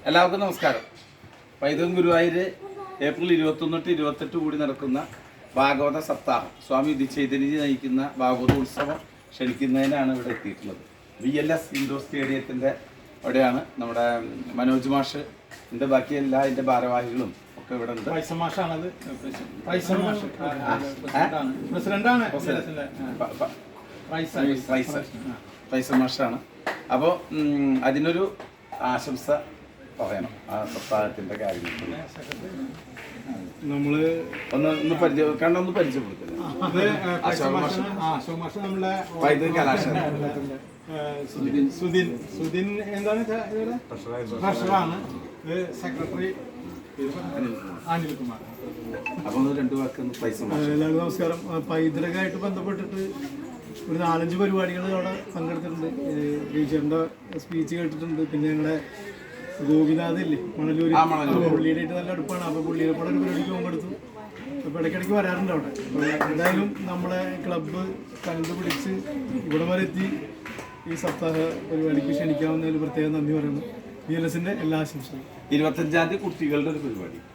എല്ലാവർക്കും നമസ്കാരം. പൈതൃകം ഗുരുവായൂർ ഏപ്രിൽ 21 to 28 കൂടി നടക്കുന്ന ഭാഗവത സപ്താഹം സ്വാമി ചൈതന്യജി നയിക്കുന്ന ഭാഗവത ഉത്സവം ക്ഷണിക്കുന്നതിനാണ് ഇവിടെ എത്തിയിട്ടുള്ളത്. VLS ഇൻഡോർ സ്റ്റേഡിയത്തിൻ്റെ അവിടെയാണ് നമ്മുടെ മനോജ് മാഷ്, ഇതിൻ്റെ ബാക്കി എല്ലാ ഇതിൻ്റെ ഭാരവാഹികളും ഒക്കെ ഇവിടെ ഉണ്ട്. പൈസ മാഷാണ്. അപ്പോൾ അതിനൊരു ആശംസ പറയണം ആ സപ്താഹത്തിന്റെ കാര്യങ്ങൾ. നമ്മള് ഒന്ന് പരിചയപ്പെടുത്തുന്നത് സുദിൻ എന്താണ് ട്രഷറാണ്, സെക്രട്ടറി അനിൽകുമാർ. അപ്പൊ രണ്ടു വാക്ക് പൈസ. എല്ലാവർക്കും നമസ്കാരം. പൈതൃകമായിട്ട് ബന്ധപ്പെട്ടിട്ട് ഒരു 4-5 പരിപാടികൾ അവിടെ പങ്കെടുത്തിട്ടുണ്ട്. ടീച്ചറിന്റെ സ്പീച്ച് കേട്ടിട്ടുണ്ട്. പിന്നെ ഞങ്ങളുടെ ഗോപിനാഥ് ഇല്ലേ മണലൂര്, പുള്ളിയുടെ ആയിട്ട് നല്ല അടുപ്പാണ്. അപ്പോൾ പുള്ളിയുടെ കൂടെ ഒരു പരിപാടിക്ക് പങ്കെടുത്തു. അപ്പോൾ ഇടയ്ക്കിടയ്ക്ക് വരാറുണ്ട് അവിടെ. എന്തായാലും നമ്മളെ ക്ലബ്ബ് കണ്ടുപിടിച്ച് ഇവിടെ വരെ എത്തി ഈ സപ്താഹ പരിപാടിക്ക് ക്ഷണിക്കാവുന്നതിൽ പ്രത്യേകം നന്ദി പറയുന്നു. VLSന്റെ എല്ലാ ആശംസകളും. 25-ാം തീയതി കുട്ടികളുടെ ഒരു പരിപാടി.